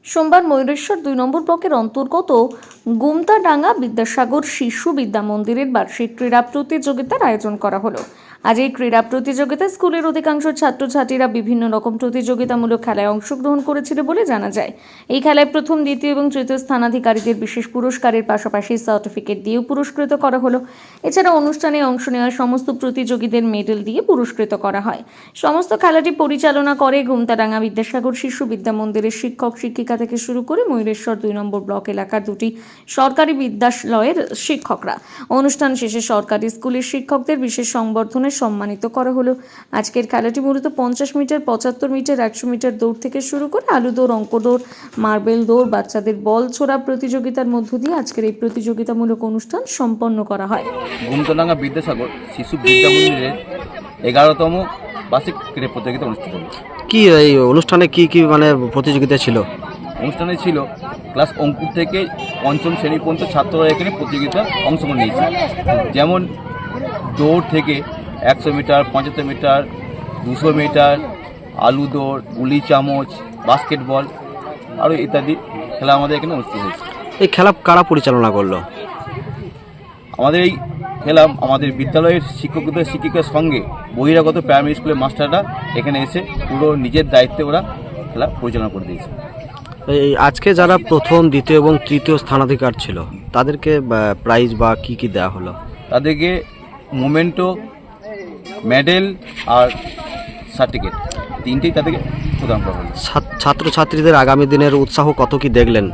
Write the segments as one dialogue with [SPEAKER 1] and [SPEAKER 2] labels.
[SPEAKER 1] সোমবার ময়ূরেশ্বর 2 নম্বর ব্লকের অন্তর্গত গুমতাডাঙ্গা বিদ্যাসাগর শিশু বিদ্যা মন্দিরের বার্ষিক ক্রীড়া প্রতিযোগিতার আয়োজন করা হলো। আজ এই ক্রীড়া প্রতিযোগিতায় স্কুলের অধিকাংশ ছাত্রছাত্রীরা বিভিন্ন রকম প্রতিযোগিতামূলক খেলায় অংশগ্রহণ করেছিল বলে জানা যায়। এই খেলায় প্রথম, দ্বিতীয় এবং তৃতীয় স্থানাধিকারীদের বিশেষ পুরস্কারের পাশাপাশি সার্টিফিকেট দিয়েও পুরস্কৃত করা হলো। এছাড়া অনুষ্ঠানে অংশ নেওয়া সমস্ত প্রতিযোগীদের মেডেল দিয়ে পুরস্কৃত করা হয়। সমস্ত খেলাটি পরিচালনা করে গুমতাডাঙ্গা বিদ্যাসাগর শিশু বিদ্যা মন্দিরের শিক্ষক শিক্ষিকা থেকে শুরু করে ময়ূরেশ্বর 2 নম্বর ব্লক এলাকার দুটি সরকারি বিদ্যালয়ের শিক্ষকরা। অনুষ্ঠান শেষে সরকারি স্কুলের শিক্ষকদের বিশেষ সংবর্ধনায় সম্মানিত করা হলো। আজকের খেলাটি মূলত 50 মিটার, 75 মিটার, 100 মিটার দৌড় থেকে শুরু করে আলু দৌড়, অঙ্ক দৌড়, মার্বেল দৌড়, বাচ্চাদের বল ছোড়া প্রতিযোগিতার মধ্য দিয়ে আজকের এই প্রতিযোগিতামূলক অনুষ্ঠান সম্পন্ন করা হয়।
[SPEAKER 2] গুমতাডাঙ্গা বিদ্যাসাগর শিশু বিদ্যা মন্দিরের 11তম বার্ষিক ক্রীড়া প্রতিযোগিতা অনুষ্ঠিত হয়েছে।
[SPEAKER 3] কি এই অনুষ্ঠানে কি কি মানে প্রতিযোগিতা ছিল?
[SPEAKER 2] অনুষ্ঠানে ছিল ক্লাস অঙ্কুর থেকে পঞ্চম শ্রেণী পর্যন্ত ছাত্ররা এখানে প্রতিযোগিতা অংশগ্রহণ নিয়েছে। যেমন দৌড় থেকে 100 মিটার, 75 মিটার, 200 মিটার, আলু দৌড়, গুলি চামচ, বাস্কেটবল আরও ইত্যাদি খেলা আমাদের এখানে অনুষ্ঠিত হয়েছে।
[SPEAKER 3] এই খেলা কারা পরিচালনা করলো?
[SPEAKER 2] আমাদের এই খেলা আমাদের বিদ্যালয়ের শিক্ষকদের শিক্ষিকার সঙ্গে বহিরাগত প্রাইমারি স্কুলের মাস্টাররা এখানে এসে পুরো নিজের দায়িত্বে ওরা খেলা পরিচালনা করে দিয়েছে।
[SPEAKER 3] এই আজকে যারা প্রথম, দ্বিতীয় এবং তৃতীয় স্থানাধিকার ছিল তাদেরকে প্রাইজ বা কি কি দেওয়া হলো?
[SPEAKER 2] তাদেরকে মোমেন্টো, মেডেল আর সার্টিফিকেট তিনটেই তাদেরকে প্রদান করা হলো।
[SPEAKER 3] ছাত্রছাত্রীদের আগামী দিনের উৎসাহ কত কি দেখলেন?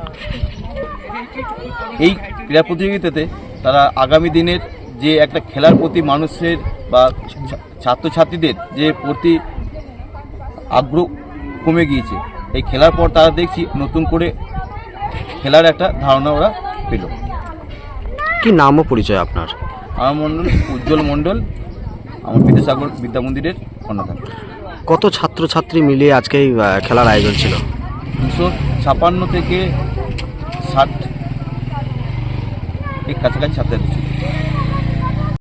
[SPEAKER 2] এই ক্রীড়া প্রতিযোগিতাতে তারা আগামী দিনের যে একটা খেলার প্রতি মানুষের বা ছাত্রছাত্রীদের যে প্রতি আগ্রহ কমে গিয়েছে, এই খেলার পর তারা দেখছি নতুন করে খেলার একটা ধারণা ওরা পেল।
[SPEAKER 3] কি নাম ও পরিচয় আপনার?
[SPEAKER 2] আমার মণ্ডল উজ্জ্বল মণ্ডল, আমার বিদ্যাসাগর বিদ্যা মন্দিরের অন্যতম।
[SPEAKER 3] কত ছাত্রছাত্রী মিলিয়ে আজকে এই খেলার আয়োজন ছিল?
[SPEAKER 2] 256 থেকে 60 এই কাছাকাছি ছাত্রছাত্রী ছিল।